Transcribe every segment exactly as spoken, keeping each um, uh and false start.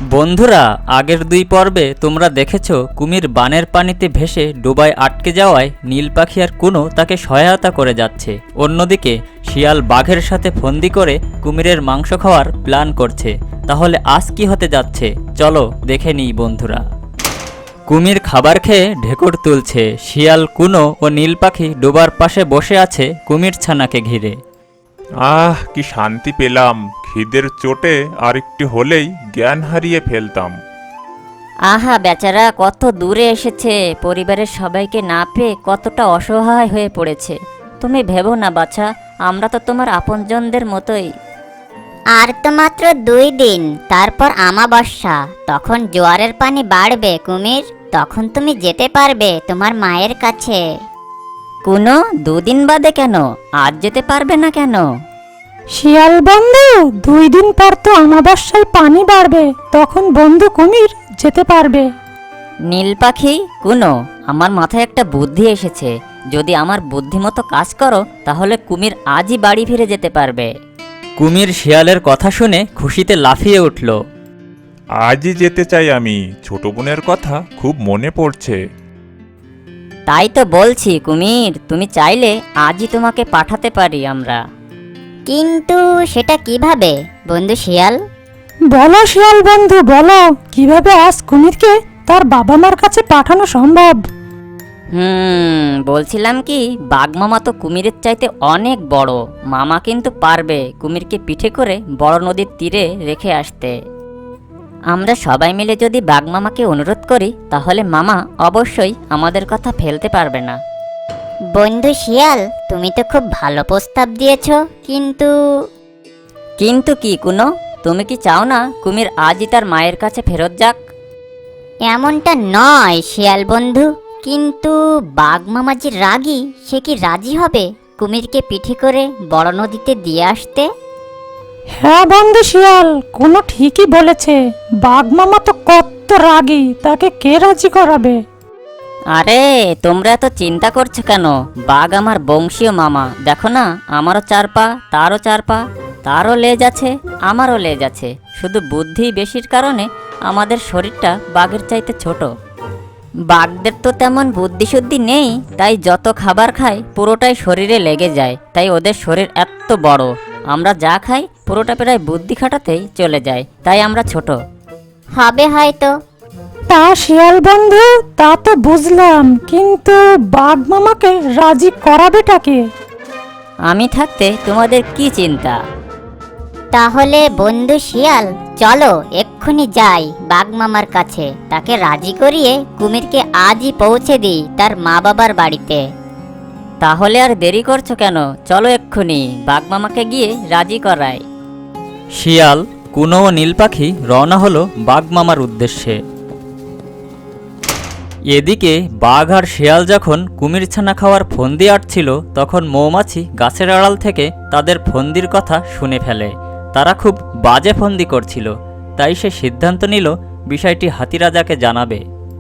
বন্ধুরা, আগের দুই পর্বে তোমরা দেখেছো কুমির বানের পানিতে ভেসে ডোবায় আটকে যাওয়ায় নীল পাখি আর কুনো তাকে সহায়তা করে যাচ্ছে। অন্যদিকে শিয়াল বাঘের সাথে ফন্দি করে কুমিরের মাংস খাওয়ার প্ল্যান করছে। তাহলে আজ কি হতে যাচ্ছে চলো দেখে নিই বন্ধুরা। কুমির খাবার খেয়ে ঢেকুর তুলছে। শিয়াল, কুনো ও নীল পাখি ডোবার পাশে বসে আছে কুমির ছানাকে ঘিরে। আহ কি শান্তি পেলাম, খিদের চোটে আর একটু হলেই জ্ঞান হারিয়ে ফেলতাম। আহা বেচারা কত দূরে এসেছে, পরিবারের সবাইকে না পেয়ে কতটা অসহায় হয়ে পড়েছে। তুমি ভেবো না বাছা, আমরা তো তোমার আপনজনদের মতোই। আর তো মাত্র দুই দিন, তারপর আমাবস্যা। তখন জোয়ারের পানি বাড়বে কুমির, তখন তুমি যেতে পারবে তোমার মায়ের কাছে। কোনো দুদিন বাদে কেন, আজ যেতে পারবে না কেন? শিয়াল বন্ধু, দুই দিন পর তো আমাবস্যায় পানি বাড়বে, তখন বন্ধু কুমির যেতে পারবে। নীল পাখি, কোনো আমার মাথায় একটা বুদ্ধি এসেছে। যদি আমার বুদ্ধিমতো কাজ করো তাহলে কুমির আজই বাড়ি ফিরে যেতে পারবে। কুমির শিয়ালের কথা শুনে খুশিতে লাফিয়ে উঠল। আজই যেতে চাই আমি, ছোট বোনের কথা খুব মনে পড়ছে। তাই তো বলছি কুমির, তুমি চাইলে আজই তোমাকে পাঠাতে পারি আমরা। কিন্তু সেটা কিভাবে বন্ধু শিয়াল? বলো শিয়াল বন্ধু, বলো কিভাবে আজ কুমিরকে তার বাবা মার কাছে পাঠানো সম্ভব? হুম বলছিলাম কি, বাঘমামা তো কুমিরের চাইতে অনেক বড়। মামা কিন্তু পারবে কুমিরকে পিঠে করে বড় নদীর তীরে রেখে আসতে। আমরা সবাই মিলে যদি বাঘমামাকে অনুরোধ করি তাহলে মামা অবশ্যই আমাদের কথা ফেলতে পারবে না। বন্ধু শিয়াল, তুমি তো খুব ভালো প্রস্তাব দিয়েছো, কিন্তু কিন্তু কি কুনো, তুমি কি চাও না কুমির আজই তার মায়ের কাছে ফেরত যাক? এমনটা নয় শিয়াল বন্ধু, কিন্তু বাঘ মামাজি রাগী, সে কি রাজি হবে কুমিরকে পিঠে করে বড় নদীতে দিয়ে আসতে? হ্যাঁ বন্ধু শিয়াল, কোনো ঠিকই বলেছে। বাঘ মামা তো কত রাগী, তাকে কে রাজি করাবে? আরে তোমরা এত চিন্তা করছো কেন? বাঘ আমার বংশীয় মামা, দেখো না, আমারও চার পা, তারও চার পা, তারও লেজ আছে, আমারও লেজ আছে। শুধু বুদ্ধি বেশির কারণে আমাদের শরীরটা বাঘের চাইতে ছোট। বাঘদের তো তেমন বুদ্ধিশুদ্ধি নেই, তাই যত খাবার খায় পুরোটাই শরীরে লেগে যায়, তাই ওদের শরীর এত বড়। আমরা যা খাই পুরোটা প্রায় বুদ্ধি খাটাতেই চলে যায়, তাই আমরা ছোট। হবে হয়তো। তা শিয়াল বন্ধু, তা তো বুঝলাম, কিন্তু বাঘ মামাকে রাজি করাবেটাকে? আমি থাকতে তোমাদের কি চিন্তা? তাহলে বন্ধু শিয়াল, চলো এক্ষুনি যাই বাঘ মামার কাছে, তাকে রাজি করিয়ে কুমিরকে আজই পৌঁছে দিই তার মা বাবার বাড়িতে। তাহলে আর দেরি করছো কেন? চলো এক্ষুনি বাঘ মামাকে গিয়ে রাজি করাই। শিয়াল, কুনো ও নীল পাখি রওনা হলো বাঘ মামার উদ্দেশ্যে। এদিকে বাঘ আর শিয়াল যখন কুমির ছানা খাওয়ার ফন্দি আটছিল, তখন মৌমাছি গাছের আড়াল থেকে তাদের ফন্দির কথা শুনে ফেলে। তারা খুব বাজে ফন্দি করছিল, তাই সে সিদ্ধান্ত নিল বিষয়টি হাতিরাজাকে জানাবে।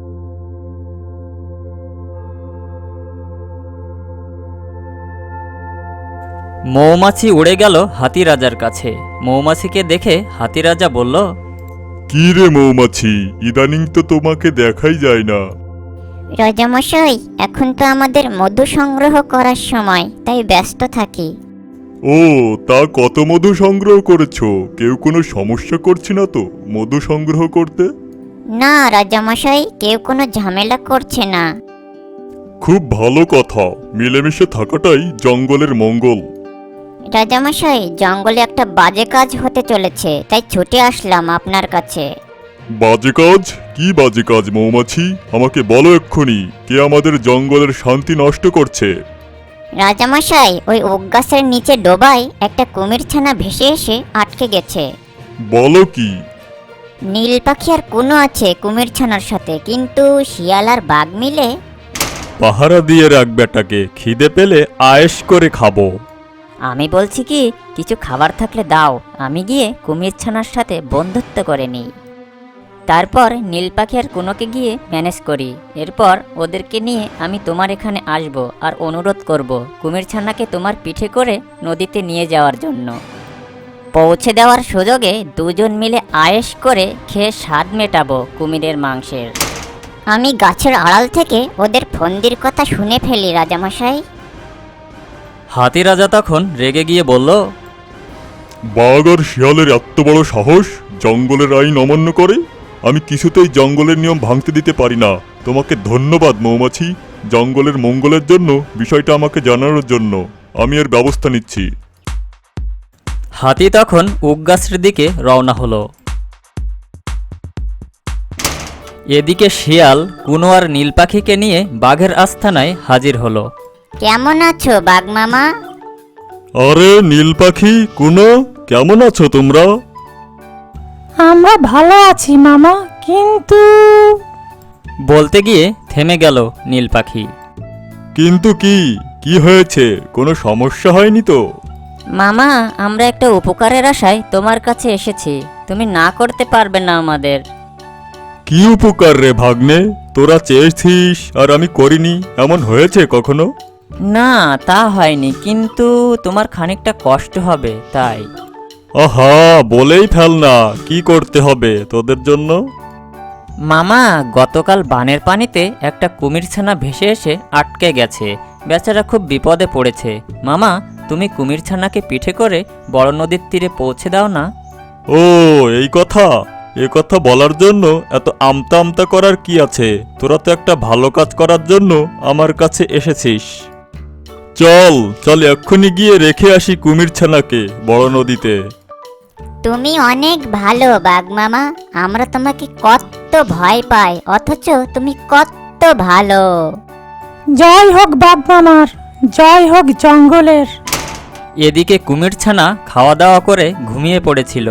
মৌমাছি উড়ে গেল হাতিরাজার কাছে। মৌমাছিকে দেখে হাতিরাজা বলল, কি রে মৌমাছি, ইদানিং তো তোমাকে দেখাই যায় না। রাজামশাই, এখন তো আমাদের মধু সংগ্রহ করার সময়, তাই ব্যস্ত থাকি। ও, তা কত মধু সংগ্রহ করেছো? কেউ কোনো সমস্যা করছে না তো মধু সংগ্রহ করতে? না রাজামশাই, কেউ কোনো ঝামেলা করছে না। খুব ভালো কথা, মিলেমিশে থাকাটাই জঙ্গলের মঙ্গল। রাজামশাই, জঙ্গলে একটা বাজে কাজ হতে চলেছে, তাই ছুটে আসলাম আপনার কাছে। বাজে কাজ? কি বাজে কাজ মৌমাছি? আমাকে বলো এক্ষুনি, কে আমাদের জঙ্গলের শান্তি নষ্ট করছে? রাজামশাই, ওই ওক গাছের নিচে ডোবায় একটা কুমির ছানা ভেসে এসে আটকে গেছে। বলো কি? নীল পাখি আর কোনো আছে কুমির ছানার সাথে, কিন্তু শিয়াল আর বাঘ মিলে। পাহারা দিয়ে রাখ বেটাকে, খিদে পেলে আয়েশ করে খাবো। আমি বলছি কি, কিছু খাবার থাকলে দাও, আমি গিয়ে কুমির ছানার সাথে বন্ধুত্ব করে নিই। তারপর নীল পাখি আর কুনোকে গিয়ে ম্যানেজ করি। এরপর ওদেরকে নিয়ে আমি তোমার এখানে আসব আর অনুরোধ করব কুমির ছানাকে তোমার পিঠে করে নদীতে নিয়ে যাওয়ার জন্য। পৌঁছে দেওয়ার সুযোগে দুজন মিলে আয়েশ করে খেয়ে স্বাদ মেটাবো কুমিরের মাংসের। আমি গাছের আড়াল থেকে ওদের ফন্দির কথা শুনে ফেলি রাজামশাই। হাতি রাজা তখন রেগে গিয়ে বলল, বাঘ আর শিয়ালের এত বড় সাহস জঙ্গলের আইন অমান্য করে? আমি কিছুতেই জঙ্গলের নিয়ম ভাঙতে দিতে পারি না। তোমাকে ধন্যবাদ মৌমাছি, জঙ্গলের মঙ্গলের জন্য বিষয়টা আমাকে জানানোর জন্য। আমি এর ব্যবস্থা নিচ্ছি। হাতি তখন উকগাছের দিকে রওনা হলো। এদিকে শিয়াল কুনো আর নীল পাখিকে নিয়ে বাঘের আস্তানায় হাজির হলো। কেমন আছো বাঘ মামা? আরে নীল পাখি, কুনো, কেমন আছো তোমরা? আমরা ভালো আছি মামা, কিন্তু বলতে গিয়ে থেমে গেল নীল পাখি। কিন্তু কি কি হয়েছে? কোনো সমস্যা হয়নি তো? মামা, আমরা একটা উপকারের আশায় তোমার কাছে এসেছি, তুমি না করতে পারবে না আমাদের। কি উপকার রে ভাগ্নে? তোরা চেয়েছিস আর আমি করিনি, এমন হয়েছে কখনো? না, তা হয়নি, কিন্তু তোমার খানিকটা কষ্ট হবে তাই। আহা, বলেই ফেল না, কি করতে হবে তোদের জন্য? মামা, গতকাল বানের পানিতে একটা কুমির ছানা ভেসে এসে আটকে গেছে। বেচারা খুব বিপদে পড়েছে। মামা, তুমি কুমির ছানাকে পিঠে করে বড় নদীর তীরে পৌঁছে দাও না। ও, এই কথা? এ কথা বলার জন্য এত আমতা আমতা করার কি আছে? তোরা তো একটা ভালো কাজ করার জন্য আমার কাছে এসেছিস। চল চল এক্ষুনি গিয়ে রেখে আসি কুমির ছানাকে বড় নদীতে। তুমি অনেক ভালো বাঘ মামা, আমরা তোমাকে কত ভয় পাই, অথচ তুমি কত ভালো। জয় হোক বাঘ মামার, জয় হোক জঙ্গলের। এদিকে কুমির ছানা খাওয়া দাওয়া করে ঘুমিয়ে পড়েছিল।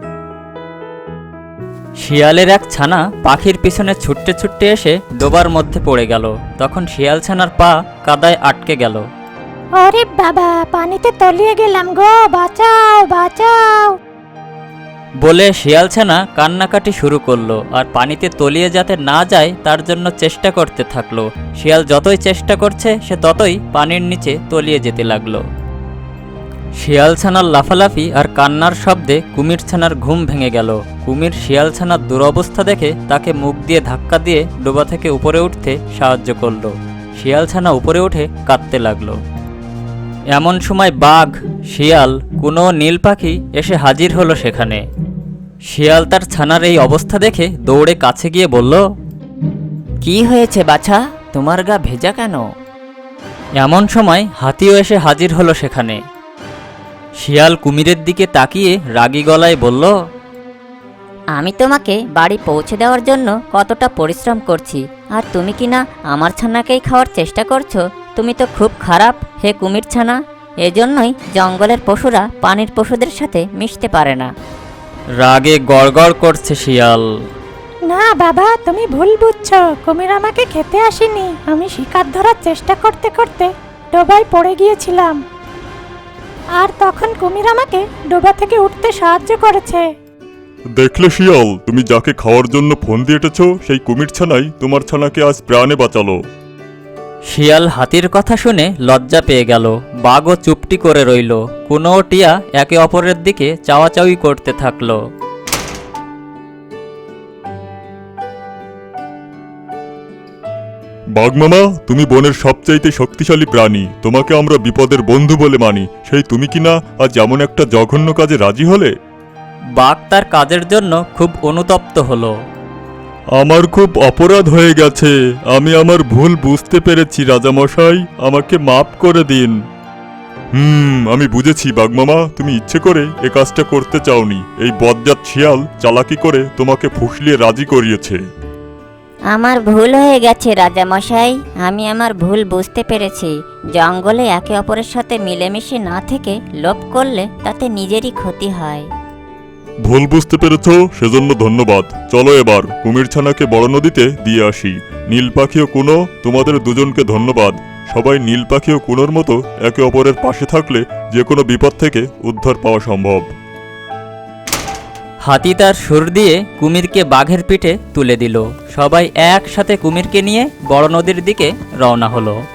শিয়ালের এক ছানা পাখির পিছনে ছুটতে ছুটতে এসে ডোবার মধ্যে পড়ে গেল। তখন শিয়াল ছানার পা কাদায় আটকে গেল। আরে বাবা, পানিতে তলিয়ে গেলাম গো, বাঁচাও বাঁচাও। বলে শিয়াল ছানা কান্নাকাটি শুরু করলো আর পানিতে তলিয়ে যাতে না যায় তার জন্য চেষ্টা করতে থাকলো। শিয়াল যতই চেষ্টা করছে সে ততই পানির নিচে তলিয়ে যেতে লাগলো। শিয়াল ছানার লাফালাফি আর কান্নার শব্দে কুমির ছানার ঘুম ভেঙে গেল। কুমির শিয়াল ছানার দুরবস্থা দেখে তাকে মুখ দিয়ে ধাক্কা দিয়ে ডোবা থেকে উপরে উঠতে সাহায্য করলো। শিয়াল ছানা উপরে উঠে কাঁদতে লাগলো। এমন সময় বাঘ, শিয়াল, কোনো নীল পাখি এসে হাজির হলো সেখানে। শিয়াল তার ছানার এই অবস্থা দেখে দৌড়ে কাছে গিয়ে বলল, কি হয়েছে বাছা, তোমার গা ভেজা কেন? এমন সময় হাতিও এসে হাজির হলো সেখানে। শিয়াল কুমিরের দিকে তাকিয়ে রাগী গলায় বলল, আমি তোমাকে বাড়ি পৌঁছে দেওয়ার জন্য কতটা পরিশ্রম করছি, আর তুমি কি না আমার ছানাকেই খাওয়ার চেষ্টা করছো? তুমি তো খুব খারাপ হে কুমির ছানা। এজন্যই জঙ্গলের পশুরা পানির পশুদের সাথে মিশতে পারে না। রাগে গড়গড় করছে শিয়াল। না বাবা, তুমি ভুল বুঝছো, কুমির আমাকে খেতে আসেনি। আমি শিকার ধরার চেষ্টা করতে করতে ডোবায় পড়ে গিয়েছিলাম, আর তখন কুমির আমাকে ডোবা থেকে উঠতে সাহায্য করেছে। দেখলে শিয়াল, তুমি যাকে খাওয়ার জন্য ফোন দিয়ে এটেছো সেই কুমির ছানাই তোমার ছানাকে আজ প্রাণে বাঁচালো। শিয়াল হাতির কথা শুনে লজ্জা পেয়ে গেল। বাঘও চুপটি করে রইল। কোনো টিয়া একে অপরের দিকে চাওয়াচাওয়ি করতে থাকলো। বাঘ মামা, তুমি বনের সবচাইতে শক্তিশালী প্রাণী, তোমাকে আমরা বিপদের বন্ধু বলে মানি। সেই তুমি কিনা আজ এমন একটা জঘন্য কাজে রাজি হলে? বাঘ তার কাজের জন্য খুব অনুতপ্ত হলো। আমার খুব অপরাধ হয়ে গেছে, আমি আমার ভুল বুঝতে পেরেছি রাজামশাই, আমাকে মাফ করে দিন। হুম আমি বুঝেছি বাঘমামা, তুমি ইচ্ছে করে এ কাজটা করতে চাওনি। এই বজ্জাত শিয়াল চালাকি করে তোমাকে ফুসলিয়ে রাজি করিয়েছে। আমার ভুল হয়ে গেছে রাজামশাই, আমি আমার ভুল বুঝতে পেরেছি। জঙ্গলে একে অপরের সাথে মিলেমিশে না থেকে লোভ করলে তাতে নিজেরই ক্ষতি হয়। ভুল বুঝতে পেরেছ, সেজন্য ধন্যবাদ। চলো এবার কুমির ছানাকে বড় নদীতে দিয়ে আসি। নীল পাখি ও কুনো, তোমাদের দুজনকে ধন্যবাদ। সবাই নীল পাখি ও কুনোর মতো একে অপরের পাশে থাকলে যে কোনো বিপদ থেকে উদ্ধার পাওয়া সম্ভব। হাতি তার সুর দিয়ে কুমিরকে বাঘের পিঠে তুলে দিল। সবাই একসাথে কুমিরকে নিয়ে বড় নদীর দিকে রওনা হলো।